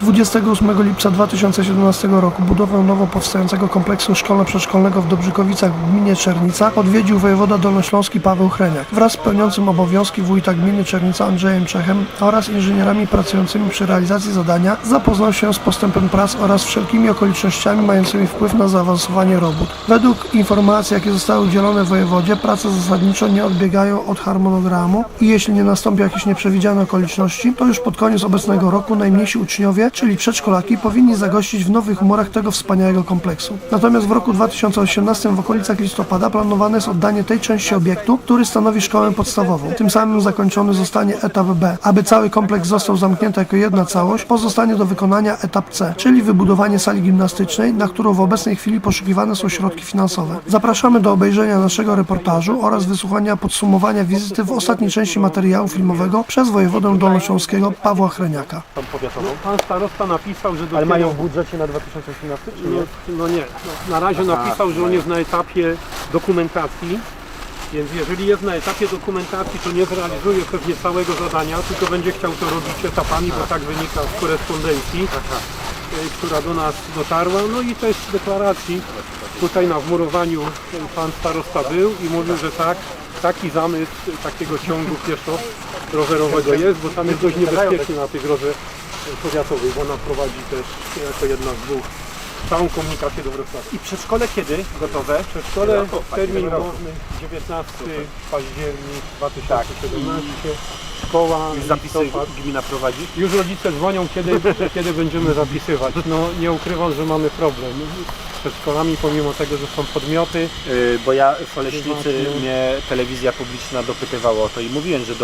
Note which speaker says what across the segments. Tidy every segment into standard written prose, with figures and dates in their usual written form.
Speaker 1: 28 lipca 2017 roku budowę nowo powstającego kompleksu szkolno-przedszkolnego w Dobrzykowicach w gminie Czernica odwiedził wojewoda dolnośląski Paweł Hreniak wraz z pełniącym obowiązki wójta gminy Czernica Andrzejem Czechem oraz inżynierami pracującymi przy realizacji zadania. Zapoznał się z postępem prac oraz wszelkimi okolicznościami mającymi wpływ na zaawansowanie robót. Według informacji, jakie zostały udzielone wojewodzie, prace zasadniczo nie odbiegają od harmonogramu i jeśli nie nastąpią jakieś nieprzewidziane okoliczności, to już pod koniec obecnego roku najmniejsi uczniowie, czyli przedszkolaki, powinni zagościć w nowych murach tego wspaniałego kompleksu. Natomiast w roku 2018 w okolicach listopada planowane jest oddanie tej części obiektu, który stanowi szkołę podstawową. Tym samym zakończony zostanie etap B. Aby cały kompleks został zamknięty jako jedna całość, pozostanie do wykonania etap C, czyli wybudowanie sali gimnastycznej, na którą w obecnej chwili poszukiwane są środki finansowe. Zapraszamy do obejrzenia naszego reportażu oraz wysłuchania podsumowania wizyty w ostatniej części materiału filmowego przez wojewodę dolnośląskiego Pawła Hreniaka.
Speaker 2: Pan starosta napisał, że dopiero...
Speaker 3: Ale mają w budżecie na 2018 czy nie?
Speaker 2: No nie, na razie napisał, że on jest na etapie dokumentacji, więc jeżeli jest na etapie dokumentacji, to nie zrealizuje pewnie całego zadania, tylko będzie chciał to robić etapami, bo tak wynika z korespondencji, która do nas dotarła. No i też z deklaracji, tutaj na wmurowaniu pan starosta był i mówił, że tak, taki zamysł takiego ciągu pieszo-rowerowego jest, bo tam jest dość niebezpiecznie na tej drodze powiatowej, bo ona prowadzi też jako jedna z dwóch całą komunikację do Wrocławia.
Speaker 3: I przedszkole kiedy gotowe?
Speaker 2: Przedszkole, termin główny 19 październik 2017, szkoła,
Speaker 3: Zapisy gmina prowadzi?
Speaker 2: Już rodzice dzwonią, kiedy będziemy zapisywać. No nie ukrywam, że mamy problem z przedszkolami, pomimo tego, że są podmioty.
Speaker 3: Bo ja w Oleśnicy mnie telewizja publiczna dopytywała o to i mówiłem, że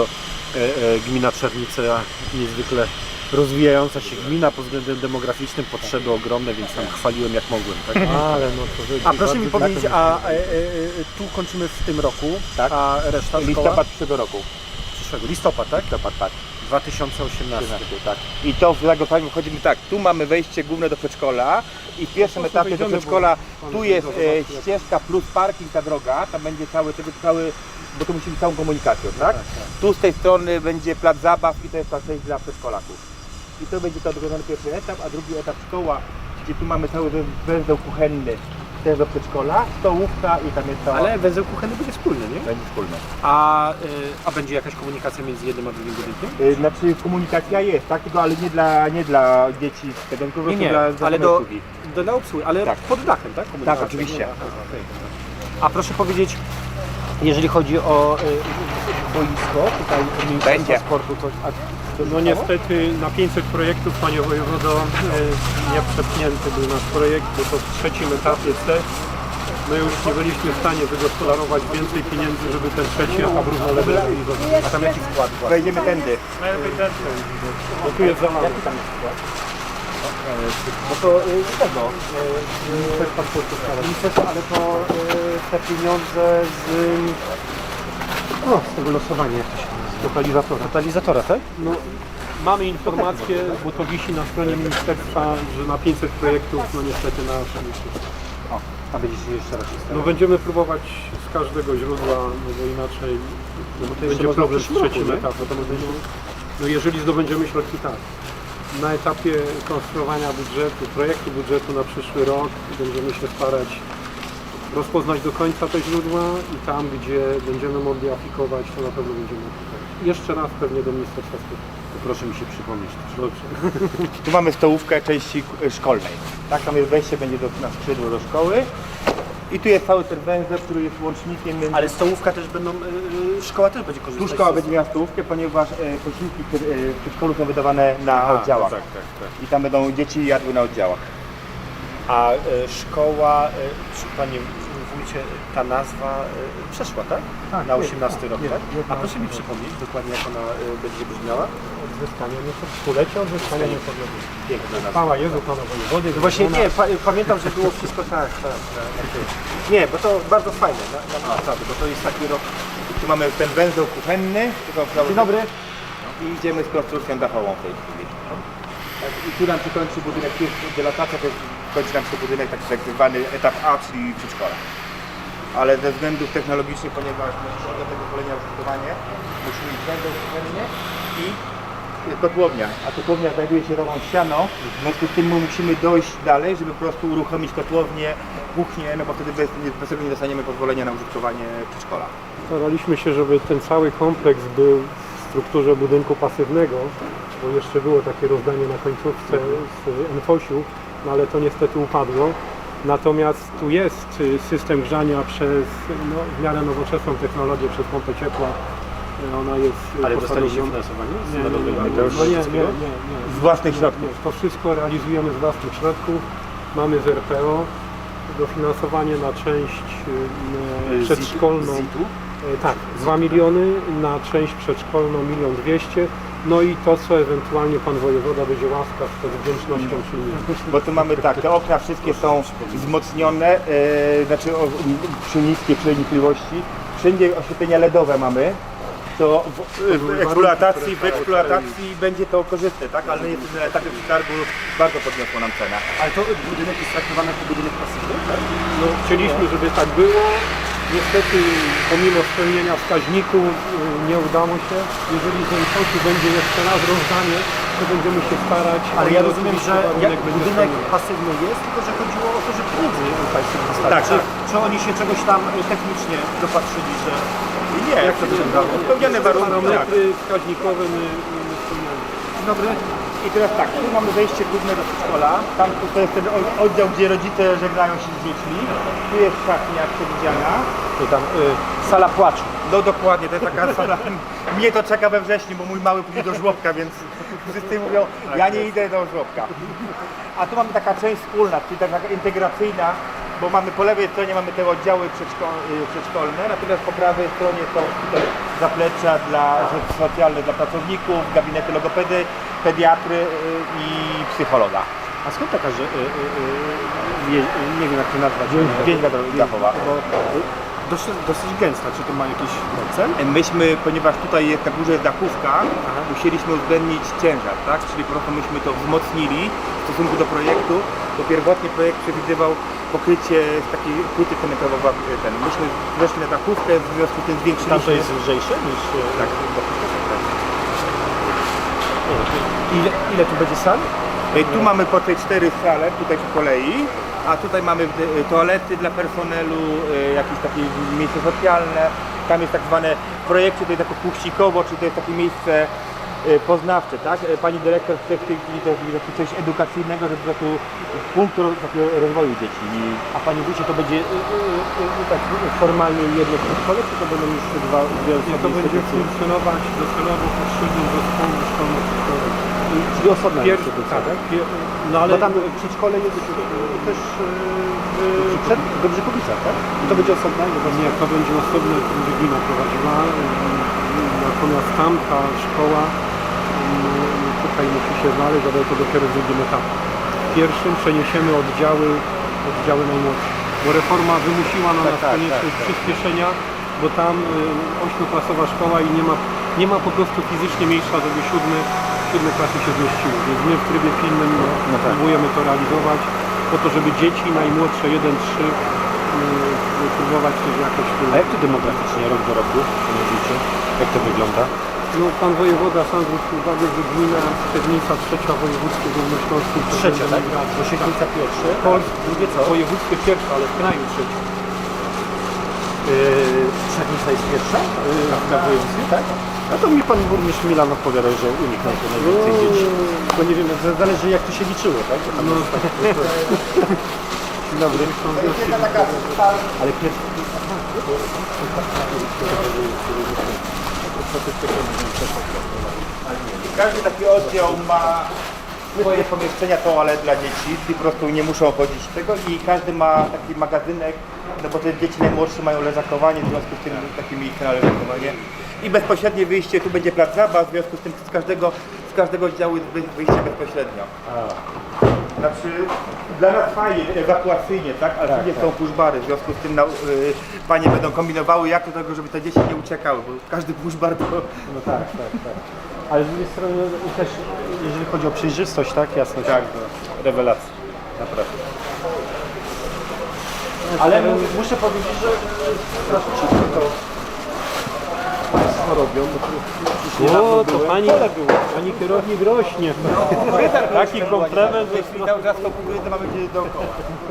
Speaker 3: gmina Czernica niezwykle rozwijająca się gmina pod względem demograficznym, potrzeby ogromne, więc tam chwaliłem jak mogłem. Tak?
Speaker 2: Ale no to
Speaker 3: A proszę mi powiedzieć, tu kończymy w tym roku,
Speaker 4: tak?
Speaker 3: A reszta szkoła?
Speaker 4: Listopad przyszłego roku.
Speaker 3: Przyszłego, listopad, tak?
Speaker 4: Listopad, tak.
Speaker 3: 2018.
Speaker 4: Tak. I to w zagotowaniu wchodzimy tak, tu mamy wejście główne do przedszkola i w pierwszym etapie do przedszkola tu jest ścieżka plus parking, ta droga, tam będzie cały, bo to musi być całą komunikacją, tak? Tu z tej strony będzie plac zabaw i to jest ta część dla przedszkolaków. I to będzie to dokonany pierwszy etap, a drugi etap szkoła, gdzie tu mamy cały węzeł kuchenny też do przedszkola, stołówka i tam jest cała...
Speaker 3: Ale węzeł kuchenny będzie wspólny, nie?
Speaker 4: Będzie wspólny.
Speaker 3: A będzie jakaś komunikacja między jednym a drugim budynkiem?
Speaker 4: Znaczy komunikacja jest, tak? Tylko ale nie dla dzieci z tego, tylko
Speaker 3: Nie,
Speaker 4: dla
Speaker 3: ale
Speaker 4: obsługi.
Speaker 3: dla obsługi, ale
Speaker 4: Tak.
Speaker 3: pod dachem, tak? Komunikacja?
Speaker 4: Tak, oczywiście.
Speaker 3: A proszę powiedzieć, jeżeli chodzi o boisko, tutaj Ministerstwo
Speaker 4: Będzie.
Speaker 3: Sportu, coś...
Speaker 2: no niestety na 500 projektów, panie wojewodo, nie przepchnięty był nasz projekt, bo to w trzecim etapie C. My już nie byliśmy w stanie wygospodarować więcej pieniędzy, żeby ten trzeci etap równolegle realizować.
Speaker 4: A tam jaki skład? Wejdziemy tędy.
Speaker 2: Bo tu jest zalane.
Speaker 3: Bo to tego, ministerstwo, ale to te pieniądze z tego losowania, jak to się nazywa? Totalizatora, tak?
Speaker 2: No, mamy informację, bo to wisi na stronie ministerstwa, że na 500 projektów, no niestety na
Speaker 3: A będziecie jeszcze raz się
Speaker 2: no będziemy próbować z każdego źródła, no bo inaczej będzie problem z trzecim etapem. No jeżeli zdobędziemy środki, tak. Na etapie konstruowania budżetu, projektu budżetu na przyszły rok będziemy się starać rozpoznać do końca te źródła i tam, gdzie będziemy mogli aplikować, to na pewno będziemy aplikować. Jeszcze raz pewnie do Ministerstwa Sportu.
Speaker 3: Proszę mi się przypomnieć.
Speaker 2: Dobrze.
Speaker 4: Tu mamy stołówkę części szkolnej. Tak, tam jest wejście, będzie na skrzydło do szkoły. I tu jest cały ten węzeł, który jest łącznikiem między...
Speaker 3: Ale stołówka też będą, szkoła też będzie korzystać.
Speaker 4: Tu szkoła będzie miała stołówkę, ponieważ posiłki w przedszkolu są wydawane na oddziałach.
Speaker 2: Tak.
Speaker 4: I tam będą dzieci jadły na oddziałach.
Speaker 3: A szkoła, panie wójcie, ta nazwa przeszła, tak? Na 18 rok, tak? A proszę mi przypomnieć dokładnie, jak ona będzie brzmiała?
Speaker 2: Odzyskanie, stulecie odzyskania niepodległości.
Speaker 3: Piękna nazwa.
Speaker 2: Chwała Jezu, Panu Wojewody.
Speaker 3: No właśnie nie, pamiętam, że było wszystko tak. Nie, bo to bardzo fajne, naprawdę, bo to jest taki rok.
Speaker 4: Tu mamy ten węzeł kuchenny.
Speaker 3: Dzień dobry.
Speaker 4: I idziemy z konstrukcją dachową w tej chwili. Tak, i tu nam się kończy budynek, tu jest delatacja, to kończy nam się budynek tak zwany etap A, czyli przedszkola. Ale ze względów technologicznych, ponieważ do tego pokolenia użytkowanie, musimy mieć węzeł kuchenny i kotłownia, a kotłownia znajduje się tą ścianą, w związku z tym my musimy dojść dalej, żeby po prostu uruchomić kotłownię, kuchnię, no bo wtedy bez tego nie dostaniemy pozwolenia na użytkowanie przedszkola.
Speaker 2: Staraliśmy się, żeby ten cały kompleks był w strukturze budynku pasywnego, bo jeszcze było takie rozdanie na końcówce z NFOŚ-u, no ale to niestety upadło. Natomiast tu jest system grzania przez w miarę nowoczesną technologię, przez pompę ciepła. Ona jest
Speaker 3: Ale
Speaker 2: postawiona-
Speaker 3: dostaliście finansowanie?
Speaker 2: Nie.
Speaker 4: Z własnych środków.
Speaker 2: Nie, to wszystko realizujemy z własnych środków. Mamy z RPO dofinansowanie na część przedszkolną. Tak, 2 miliony, na część przedszkolną 1 200 000. No i to, co ewentualnie pan wojewoda będzie łaskaw, to z wdzięcznością przyjmie.
Speaker 4: Bo tu mamy tak, te okna wszystkie są wzmocnione, znaczy przy niskiej przenikliwości. Wszędzie oświetlenia LEDowe mamy. To w eksploatacji będzie to korzystne, tak? Ale jest na etapie przetargu bardzo podniosło nam cenę.
Speaker 3: Ale to budynek jest traktowany jako budynek pasywny, tak?
Speaker 2: No, chcieliśmy, żeby tak było. Niestety, pomimo spełnienia wskaźników, nie udało się. Jeżeli z NFOŚ-u będzie jeszcze raz rozdanie, to będziemy się starać.
Speaker 3: Ale
Speaker 2: O
Speaker 3: ja
Speaker 2: ile
Speaker 3: rozumiem,
Speaker 2: oczywiście
Speaker 3: że
Speaker 2: warunek
Speaker 3: jak
Speaker 2: będzie
Speaker 3: budynek
Speaker 2: spełniony.
Speaker 3: pasywny jest, tylko że chodziło o to, że pieniędzy Państwo dostali.
Speaker 4: Tak,
Speaker 3: Czy oni się czegoś tam technicznie dopatrzyli, że...
Speaker 4: Nie,
Speaker 3: Jak to wyglądało?
Speaker 4: spełnione warunki. Tak.
Speaker 2: Parametry wskaźnikowe my spełniamy.
Speaker 3: Dzień dobry.
Speaker 4: I teraz tak, tu mamy wejście główne do przedszkola, tam to jest ten oddział, gdzie rodzice żegnają się z dziećmi, tu jest szatnia przewidziana.
Speaker 3: I tam sala płaczu.
Speaker 4: No dokładnie, to jest taka sala, mnie to czeka we wrześniu, bo mój mały pójdzie do żłobka, więc wszyscy mówią, ja nie idę do żłobka. A tu mamy taka część wspólna, czyli taka integracyjna, bo mamy po lewej stronie mamy te oddziały przedszkolne, natomiast po prawej stronie są tutaj zaplecza dla rzeczy socjalnych dla pracowników, gabinety logopedy, pediatry i psychologa.
Speaker 3: A skąd taka, że... nie wiem jak to nazwać.
Speaker 4: Więź dachowa.
Speaker 3: Bo dosyć gęsta, czy to ma jakiś cel?
Speaker 4: Myśmy, ponieważ tutaj jest na górze jest dachówka, musieliśmy uwzględnić ciężar, tak? Czyli po prostu myśmy to wzmocnili w stosunku do projektu, bo pierwotnie projekt przewidywał pokrycie z takiej płyty cementowej, myśmy weszli na dachówkę, w związku z tym
Speaker 3: Tam
Speaker 4: zwiększyliśmy...
Speaker 3: to jest lżejsze niż...
Speaker 4: Tak.
Speaker 3: Ile tu będzie sal?
Speaker 4: Tu mamy po tej 4 sale, tutaj po kolei, a tutaj mamy toalety dla personelu, jakieś takie miejsce socjalne. Tam jest tak zwane w projekcie, to jest jako puścikowo, czyli to jest takie miejsce poznawcze, tak? Pani dyrektor chce w tej chwili coś edukacyjnego, żeby po prostu punkt takiego rozwoju dzieci.
Speaker 3: A Panie Wójcie, to będzie tak formalnie jedno przedszkole, czy to będą już dwie
Speaker 2: I to
Speaker 3: osobne
Speaker 2: będzie
Speaker 3: instytucje?
Speaker 2: funkcjonować docelowo pod szyldem zespołu szkolno-przedszkolnego.
Speaker 3: Czyli osobna
Speaker 2: Pierwszy,
Speaker 3: instytucja, tak?
Speaker 2: No ale
Speaker 3: Bo tam przedszkole jest też przed Dobrzykowicach, tak? I to będzie osobna jednostka?
Speaker 2: nie, to będzie osobne, to będzie gmina prowadziła. Natomiast tamta szkoła tutaj musi się znaleźć, ale to dopiero w drugim etapie. W pierwszym przeniesiemy oddziały najmłodsze, bo reforma wymusiła na nas konieczność przyspieszenia, bo tam 8-klasowa szkoła i nie ma po prostu fizycznie miejsca, żeby siódme klasy się zmieściły, więc my w trybie pilnym próbujemy to realizować po to, żeby dzieci najmłodsze 1-3 próbować też jakoś tu...
Speaker 3: A jak to demograficznie rok do roku, Panie Wójcie? Jak to wygląda?
Speaker 2: No pan wojewoda sam zwrócił uwagę, że gmina Szczednica trzecia w województwie górnośląskim.
Speaker 3: Trzecia, tak? Bo Siedlnica pierwsze, drugie co?
Speaker 2: W województwie pierwsze, ale w kraju trzecie.
Speaker 3: Siedlnica jest pierwsza na województwie, tak? No to mi Pan Burmistrz Milan odpowiadał, że uniknął to najwięcej dzieci. Bo nie wiem, zależy jak to się liczyło, tak? Bo tam Dzień dobry. Ale pierwszy...
Speaker 4: Każdy taki oddział ma swoje pomieszczenia toalet dla dzieci, czyli po prostu nie muszą chodzić tego i każdy ma taki magazynek, no bo te dzieci najmłodsze mają leżakowanie, w związku z tym takie miejsce na leżakowanie. I bezpośrednie wyjście, tu będzie plac zabaw, w związku z tym z każdego oddziału jest wyjście bezpośrednio. Znaczy, dla nas fajnie, ewakuacyjnie, tak? Ale wszędzie są pushbary, w związku z tym panie będą kombinowały jak do tego, żeby te dzieci nie uciekały, bo każdy pushbar to...
Speaker 3: No tak. Ale z drugiej strony też, jeżeli chodzi o przejrzystość, tak? Jasność,
Speaker 4: Tak.
Speaker 3: rewelacja. Naprawdę. Ale muszę powiedzieć, że strasznie szybko to
Speaker 4: robią.
Speaker 2: O, to pani kierownik rośnie. Taki komplement.
Speaker 4: Jeśli cały czas to kukurydzę mamy gdzieś dookoła.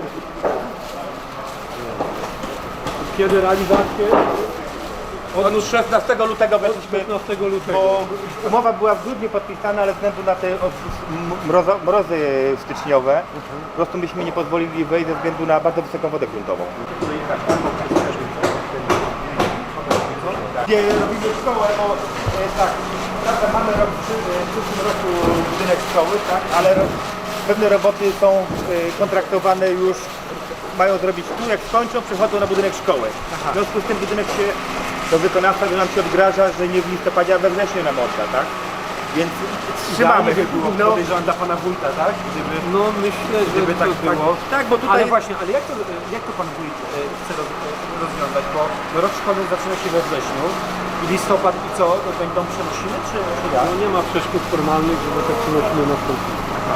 Speaker 2: Kiedy realizację?
Speaker 4: Od 16 lutego weszliśmy,
Speaker 2: 15 lutego.
Speaker 4: bo umowa była w grudniu podpisana, ale ze względu na te mrozy styczniowe, po prostu myśmy nie pozwolili wejść ze względu na bardzo wysoką wodę gruntową. Gdzie robimy szkołę, bo tak, prawda, mamy w przyszłym roku budynek szkoły, tak, ale pewne roboty są kontraktowane już, mają zrobić tu, jak skończą, przechodzą na budynek szkoły. W związku z tym budynek się do wykonawstwa nam się odgraża, że nie w listopadzie, a we wrześniu nam odda, tak? Więc trzymamy.
Speaker 3: Podejrzewam dla pana wójta, tak? Gdyby,
Speaker 2: No myślę, że
Speaker 3: gdyby tak
Speaker 2: to
Speaker 3: było.
Speaker 4: Tak, bo tutaj...
Speaker 3: Ale właśnie, ale jak to pan wójt chce rozwiązać? Bo rok szkolny zaczyna się we wrześniu i listopad i co? To będą przenosimy, czy jak?
Speaker 2: no nie ma przeszkód formalnych, żeby te przenosiny nastąpiły.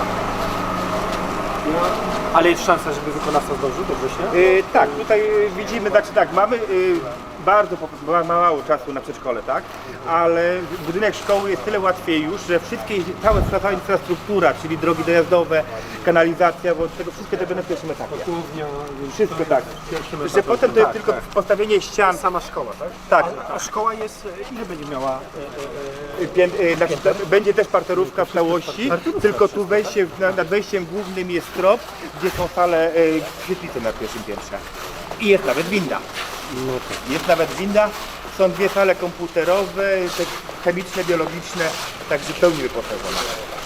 Speaker 3: Ale jest szansa, żeby wykonawca zdążył do września?
Speaker 4: Tak, tutaj widzimy, znaczy tak, mamy bardzo mało czasu na przedszkole, tak? Ale budynek szkoły jest tyle łatwiej już, że cała infrastruktura, czyli drogi dojazdowe, kanalizacja, bo tego wszystkie to będą w pierwszym etapie.
Speaker 2: Głównia, więc
Speaker 4: Wszystko
Speaker 2: to
Speaker 4: tak.
Speaker 2: w pierwszym
Speaker 4: Że
Speaker 2: etapie.
Speaker 4: potem to jest
Speaker 3: tak,
Speaker 4: tylko
Speaker 3: tak.
Speaker 4: postawienie ścian.
Speaker 3: Sama szkoła, tak?
Speaker 4: Tak.
Speaker 3: A szkoła jest, ile będzie miała?
Speaker 4: Znaczy, będzie też parterówka w całości, tylko tu wejście, nad wejściem głównym jest trop, gdzie są sale świetlice na pierwszym piętrze. I jest nawet winda. Jest nawet winda, są dwie sale komputerowe, te chemiczne, biologiczne, także w pełni wyposażone.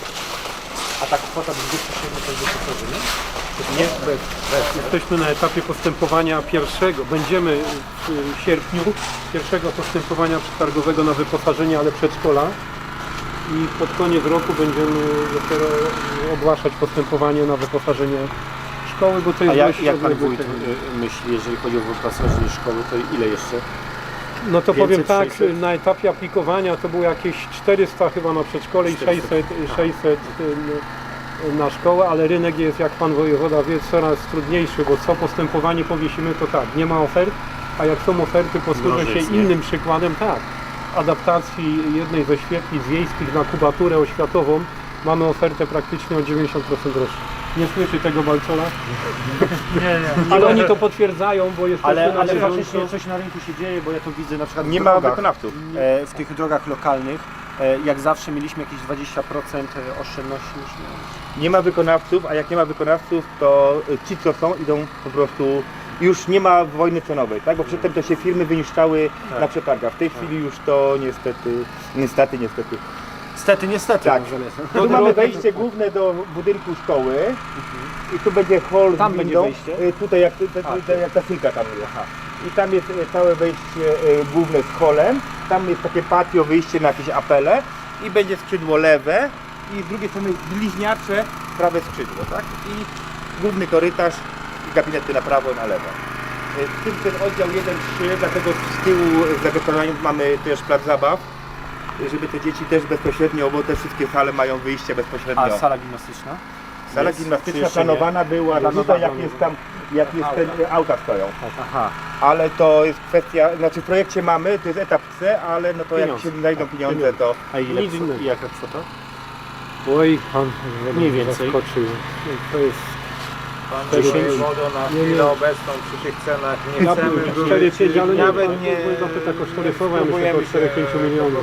Speaker 3: A ta kwota 27 to jest wyposażenie?
Speaker 4: Nie,
Speaker 2: Jesteśmy na etapie postępowania pierwszego. Będziemy w sierpniu pierwszego postępowania przetargowego na wyposażenie, ale przedszkola. I pod koniec roku będziemy dopiero ogłaszać postępowanie na wyposażenie szkoły, bo to jest
Speaker 3: A
Speaker 2: dość
Speaker 3: jak pan
Speaker 2: odległy
Speaker 3: wójt
Speaker 2: termin.
Speaker 3: myśli, jeżeli chodzi o wyposażenie szkoły, to ile jeszcze?
Speaker 2: No to
Speaker 3: 500,
Speaker 2: powiem tak,
Speaker 3: 600?
Speaker 2: na etapie aplikowania to było jakieś 400 chyba na przedszkole i 600 na szkołę, ale rynek jest, jak pan wojewoda wie, coraz trudniejszy, bo co postępowanie powiesimy, to tak, nie ma ofert, a jak są oferty, posłużę się
Speaker 3: Mnożyc, nie?
Speaker 2: innym przykładem, tak, adaptacji jednej ze świetlic wiejskich na kubaturę oświatową, mamy ofertę praktycznie o 90% droższą. Nie słyszy tego Balcola? Nie. Ale oni to potwierdzają, bo jesteśmy
Speaker 3: Ale
Speaker 2: na bieżąco.
Speaker 3: faktycznie coś na rynku się dzieje, bo ja to widzę na przykład w
Speaker 4: nie ma
Speaker 3: drogach,
Speaker 4: wykonawców.
Speaker 3: w tych drogach lokalnych. Jak zawsze mieliśmy jakieś 20% oszczędności już
Speaker 4: Nie ma wykonawców, a jak nie ma wykonawców, to ci co są idą po prostu, już nie ma wojny cenowej, tak? Bo przedtem to się firmy wyniszczały na przetargach. W tej chwili już to niestety.
Speaker 3: Niestety.
Speaker 4: Tak.
Speaker 3: może
Speaker 4: Tu mamy wejście główne do budynku szkoły i tu będzie hall
Speaker 3: Tam
Speaker 4: z
Speaker 3: będzie
Speaker 4: windą.
Speaker 3: wejście?
Speaker 4: Tutaj jak ta filka tam jest. I tam jest całe wejście główne z hallem. Tam jest takie patio, wyjście na jakieś apele i będzie skrzydło lewe i z drugiej strony bliźniacze prawe skrzydło, tak? I główny korytarz i gabinety na prawo i na lewo. Ten oddział 1-3, dlatego z tyłu za wykonaniem mamy też plac zabaw, żeby te dzieci też bezpośrednio, bo te wszystkie sale mają wyjście bezpośrednio.
Speaker 3: A sala gimnastyczna?
Speaker 4: Sala
Speaker 3: jest,
Speaker 4: gimnastyczna
Speaker 3: czy jeszcze nie?
Speaker 4: planowana była tutaj, jak jest tam, jak jest ten, auta stoją.
Speaker 3: Aha.
Speaker 4: Ale to jest kwestia, znaczy w projekcie mamy, to jest etap C, ale no to jak
Speaker 2: Pieniądze.
Speaker 4: się znajdą pieniądze, to
Speaker 3: A ile
Speaker 2: Nic innego.
Speaker 3: i jaka kwota?
Speaker 2: Oj, pan
Speaker 3: Mniej więcej.
Speaker 2: zaskoczył. To jest
Speaker 5: Pan wodą na chwilę obecną przy tych cenach nie
Speaker 2: ja
Speaker 5: chcemy
Speaker 2: bym
Speaker 5: wrócić,
Speaker 2: 4-5, ale nie,
Speaker 5: nawet
Speaker 2: nie zapyta kosztorysowa, ja myślę,
Speaker 5: próbujemy
Speaker 2: około 4-5 milionów.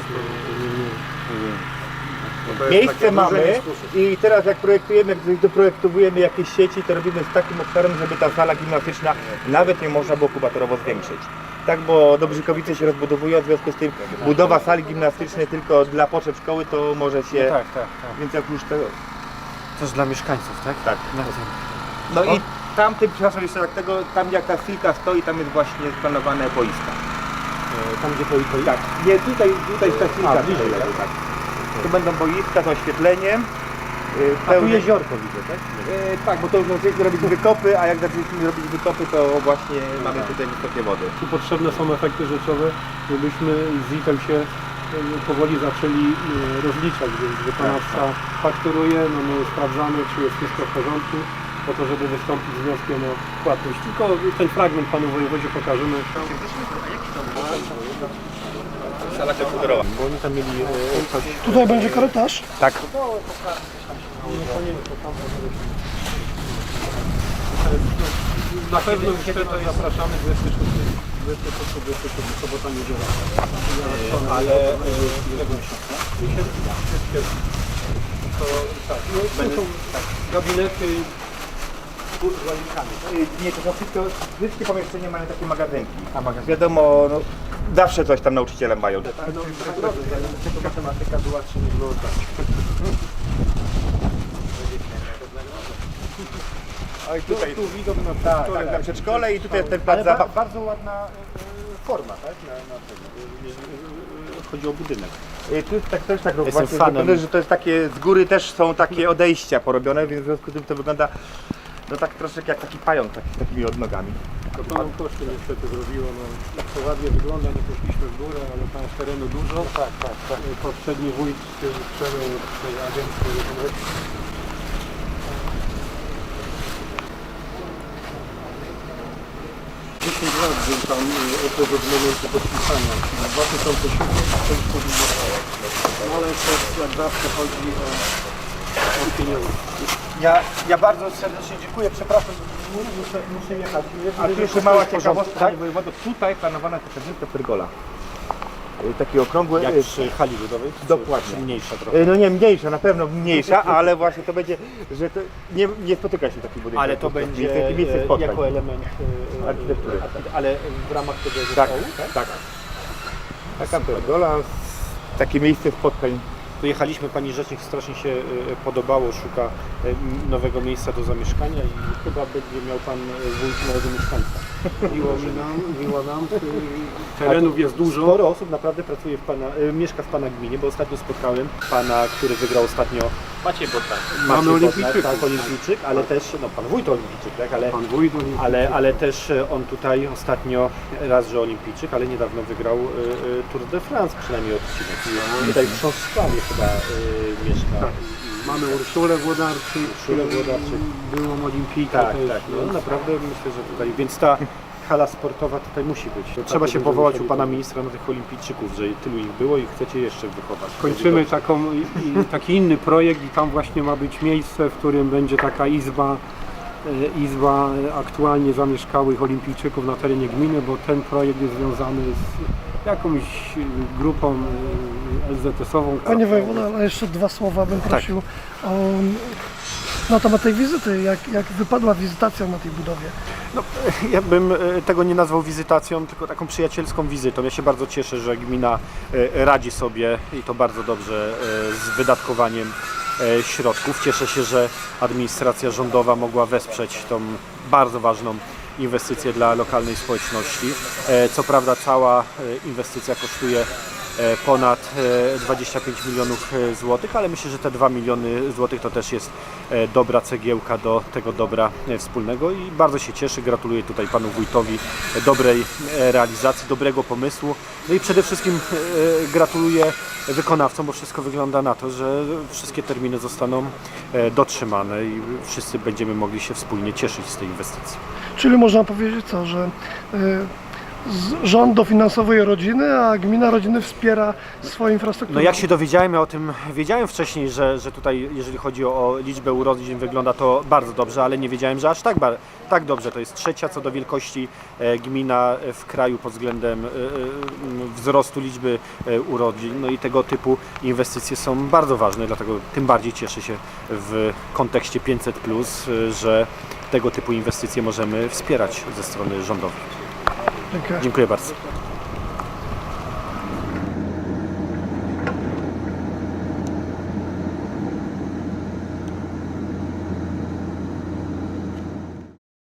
Speaker 5: bo to jest
Speaker 4: miejsce
Speaker 5: takie duże
Speaker 4: mamy
Speaker 5: dyskusje.
Speaker 4: i teraz jak projektujemy, jak doprojektujemy jakieś sieci, to robimy z takim obszarem, żeby ta sala gimnastyczna nawet nie można było kubatorowo zwiększyć. Tak, bo Dobrzykowice się rozbudowują, w związku z tym budowa sali gimnastycznej tylko dla potrzeb szkoły to może się,
Speaker 3: Tak.
Speaker 4: więc jak już tego,
Speaker 3: Też dla mieszkańców, tak?
Speaker 4: tak. No i tamtym, przepraszam jeszcze tak tego, tam jak ta filka stoi, tam jest właśnie planowane boiska.
Speaker 3: Tam gdzie to
Speaker 4: Tak, nie, tutaj jest ta filka.
Speaker 3: bliżej,
Speaker 4: tutaj,
Speaker 3: tak?
Speaker 4: tak. Tu będą boiska z oświetleniem.
Speaker 3: A tu jeziorko widzę, tak?
Speaker 4: Tak, bo to już zaczęliśmy robić wykopy, a jak zaczęliśmy robić wykopy, to właśnie mamy tutaj wysokie wody.
Speaker 2: Tu potrzebne są efekty rzeczowe, żebyśmy z ZIT-em się powoli zaczęli rozliczać, więc wykonawca fakturuje, no my sprawdzamy, czy jest wszystko w porządku, po to, żeby wystąpić z wnioskiem o płatność. Tylko ten fragment panu wojewodzie pokażemy.
Speaker 4: sala komputerowa.
Speaker 3: Bo oni tam mieli coś...
Speaker 1: Tutaj będzie korytarz.
Speaker 4: Tak.
Speaker 2: Na pewno już teraz zapraszamy 26 sobota, niedziela.
Speaker 3: Ale
Speaker 2: To tak, to są gabinety z łazinkami.
Speaker 4: Nie, to są wszystkie pomieszczenia mają takie magazynki. Wiadomo, no, zawsze coś tam nauczyciele mają.
Speaker 2: Matematyka była czy nie było tak.
Speaker 4: Oj, tutaj,
Speaker 2: Tu widok na
Speaker 4: tak, tak, na przedszkole i tutaj jest ten plac
Speaker 3: ale
Speaker 4: zabaw.
Speaker 3: bardzo ładna forma, tak? Chodzi o budynek.
Speaker 4: Tu jest tak, też tak
Speaker 3: Jestem
Speaker 4: właśnie
Speaker 3: fanem.
Speaker 4: zrobione, że to jest takie, z góry też są takie odejścia porobione, więc w związku z tym to wygląda no tak troszeczkę jak taki pająk z takimi odnogami.
Speaker 2: To panom koszty niestety zrobiło, no jak to ładnie wygląda, nie poszliśmy w górę, ale tam jest terenu dużo. Tak. Poprzedni wójt przejął tej agencji. 10 lat był tam okres od momentu podpisania. Na 2007 to już powinno być. Ale to jak zawsze chodzi o pieniądze.
Speaker 4: Ja bardzo serdecznie dziękuję, przepraszam,
Speaker 3: Muszę jechać.
Speaker 4: a tu jeszcze mała ciekawostka, panie wojewodo, tutaj planowana jest kapliczka Pergola. Taki okrągły,
Speaker 3: Jak przy hali ludowej?
Speaker 4: Dokładnie.
Speaker 3: Czy mniejsza trochę?
Speaker 4: no nie mniejsza, na pewno mniejsza, ale właśnie to będzie, że to nie spotyka się taki budynek.
Speaker 3: Ale to będzie
Speaker 4: miejsce spotkań.
Speaker 3: jako element
Speaker 4: Architektury.
Speaker 3: Ale w ramach tego
Speaker 4: Tak,
Speaker 3: zespołu,
Speaker 4: tak. Taka Pergola, takie miejsce spotkań.
Speaker 3: Tu jechaliśmy, pani rzecznik strasznie się podobało, szuka nowego miejsca do zamieszkania i chyba będzie miał pan wójt nowego mieszkańca.
Speaker 2: Miło nam. Terenów jest dużo.
Speaker 3: Sporo osób naprawdę pracuje mieszka w pana gminie, bo ostatnio spotkałem pana, który wygrał ostatnio
Speaker 5: Maciej Botak.
Speaker 2: Mamy olimpijczyków.
Speaker 3: tak, olimpijczyk, ale też, no pan wójt olimpijczyk, tak, ale
Speaker 2: Pan wójt
Speaker 3: ale też on tutaj ostatnio raz, że olimpijczyk, ale niedawno wygrał Tour de France, przynajmniej odcinek. I tutaj w Chrząszczawie chyba mieszka.
Speaker 2: Mamy Urszulę Włodarczyk, byłą olimpijkę
Speaker 3: Tak,
Speaker 2: też.
Speaker 3: tak. No, naprawdę myślę, że tutaj, więc ta hala sportowa tutaj musi być. Trzeba się powołać u pana ministra na tych olimpijczyków, że tylu ich było i chcecie jeszcze wychować.
Speaker 2: Kończymy taki inny projekt i tam właśnie ma być miejsce, w którym będzie taka izba aktualnie zamieszkałych olimpijczyków na terenie gminy, bo ten projekt jest związany z jakąś grupą LZS-ową.
Speaker 1: Panie wojewodo, ale jeszcze dwa słowa bym prosił na temat tej wizyty. Jak wypadła wizytacja na tej budowie?
Speaker 3: No, ja bym tego nie nazwał wizytacją, tylko taką przyjacielską wizytą. Ja się bardzo cieszę, że gmina radzi sobie i to bardzo dobrze z wydatkowaniem środków. Cieszę się, że administracja rządowa mogła wesprzeć tą bardzo ważną inwestycje dla lokalnej społeczności. Co prawda cała inwestycja kosztuje ponad 25 milionów złotych, ale myślę, że te 2 miliony złotych to też jest dobra cegiełka do tego dobra wspólnego i bardzo się cieszę, gratuluję tutaj panu wójtowi dobrej realizacji, dobrego pomysłu, no i przede wszystkim gratuluję wykonawcom, bo wszystko wygląda na to, że wszystkie terminy zostaną dotrzymane i wszyscy będziemy mogli się wspólnie cieszyć z tej inwestycji.
Speaker 1: Czyli można powiedzieć co, że rząd dofinansowuje rodziny, a gmina rodziny wspiera swoją infrastrukturę.
Speaker 3: No jak się dowiedziałem, ja o tym wiedziałem wcześniej, że tutaj jeżeli chodzi o liczbę urodzin wygląda to bardzo dobrze, ale nie wiedziałem, że aż tak dobrze. To jest trzecia co do wielkości gmina w kraju pod względem wzrostu liczby urodzin. No i tego typu inwestycje są bardzo ważne, dlatego tym bardziej cieszę się w kontekście 500+, że tego typu inwestycje możemy wspierać ze strony rządowej.
Speaker 1: Dziękuję.
Speaker 3: Dziękuję bardzo.